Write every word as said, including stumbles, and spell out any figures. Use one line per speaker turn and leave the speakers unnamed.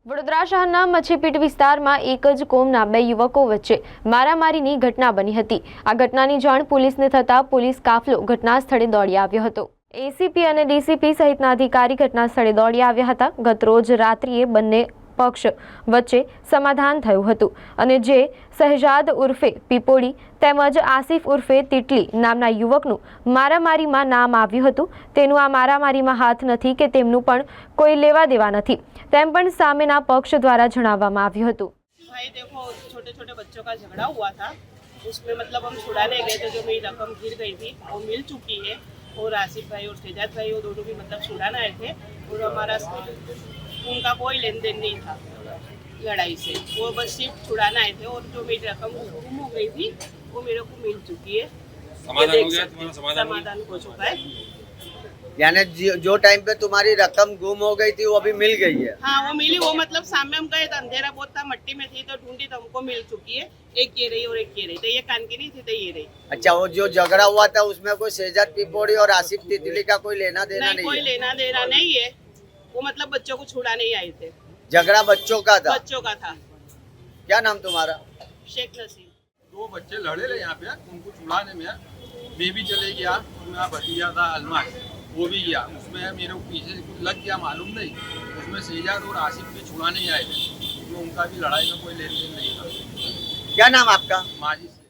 વડોદરા શહેરના મચ્છીપીટ વિસ્તારમાં એક જ કોમના બે યુવકો વચ્ચે મારામારીની ઘટના બની હતી। આ ઘટનાની જાણ પોલીસને થતાં પોલીસ કાફલો ઘટના સ્થળે દોડી આવ્યો હતો। એસીપી અને ડીસીપી સહિતના અધિકારી ઘટના સ્થળે દોડી આવ્યા હતા। ગતરોજ રાત્રિએ બંને પક્ષ વચ્ચે સમાધાન થયું હતું અને જે શહેજાદ ઉર્ફે પીપોડી તેમજ આસિફ ઉર્ફે તીટલી નામના યુવકનું મારામારીમાં નામ આવ્યું હતું। તેનું આ મારામારીમાં હાથ નથી કે તેમનું પણ કોઈ લેવા દેવા નથી તેમ પણ સામેના પક્ષ દ્વારા જણાવવામાં આવ્યું હતું।
भाई देखो, छोटे छोटे बच्चों का झगड़ा हुआ था, उसमें मतलब हम छुड़ाने गए थे, जो मेरी रकम गिर गई थी वो मिल चुकी है। और आसिफ भाई और शेजाद भाई वो दोनों भी मतलब छुड़ाने आए थे और हमारा उनका कोई लेन देन नहीं था लड़ाई से, वो बस सिर्फ छुड़ाने आए थे। और जो मेरी रकम गुम हो गई थी वो मेरे को मिल चुकी है।
समाधान हो गया, तुम्हारा समाधान
समाधान हो चुका है।
यानी जो टाइम पे तुम्हारी रकम गुम हो गई थी वो अभी मिल गई है?
हाँ, वो मिली। वो मतलब सामने हम गए तो अंधेरा बहुत था, मट्टी में थी तो ढूंढी तो हमको मिल चुकी है। एक ये रही और एक ये रही, तो ये कान की नहीं थी तो ये रही।
अच्छा, वो जो झगड़ा हुआ था उसमें कोई शेजाद पिपोड़ी और आसिफ तितली का कोई लेना देना
नहीं,
नहीं,
कोई
है?
लेना देना नहीं है। वो मतलब बच्चों को छुड़ाने ही आए थे।
झगड़ा बच्चों का था?
बच्चों का था।
क्या नाम तुम्हारा?
शेख नसीम।
दो बच्चे लड़े रहे यहाँ पे, उनको छुड़ाने में मैं भी चले गया। मेरा भतीजा था अलमास, वो भी गया। उसमें मेरे को पीछे कुछ लग गया मालूम नहीं। उसमें शेजाद और आसिफ भी छुड़ाने ही आए थे, तो उनका भी लड़ाई में कोई लेन देन नहीं था।
क्या नाम आपका?
माजी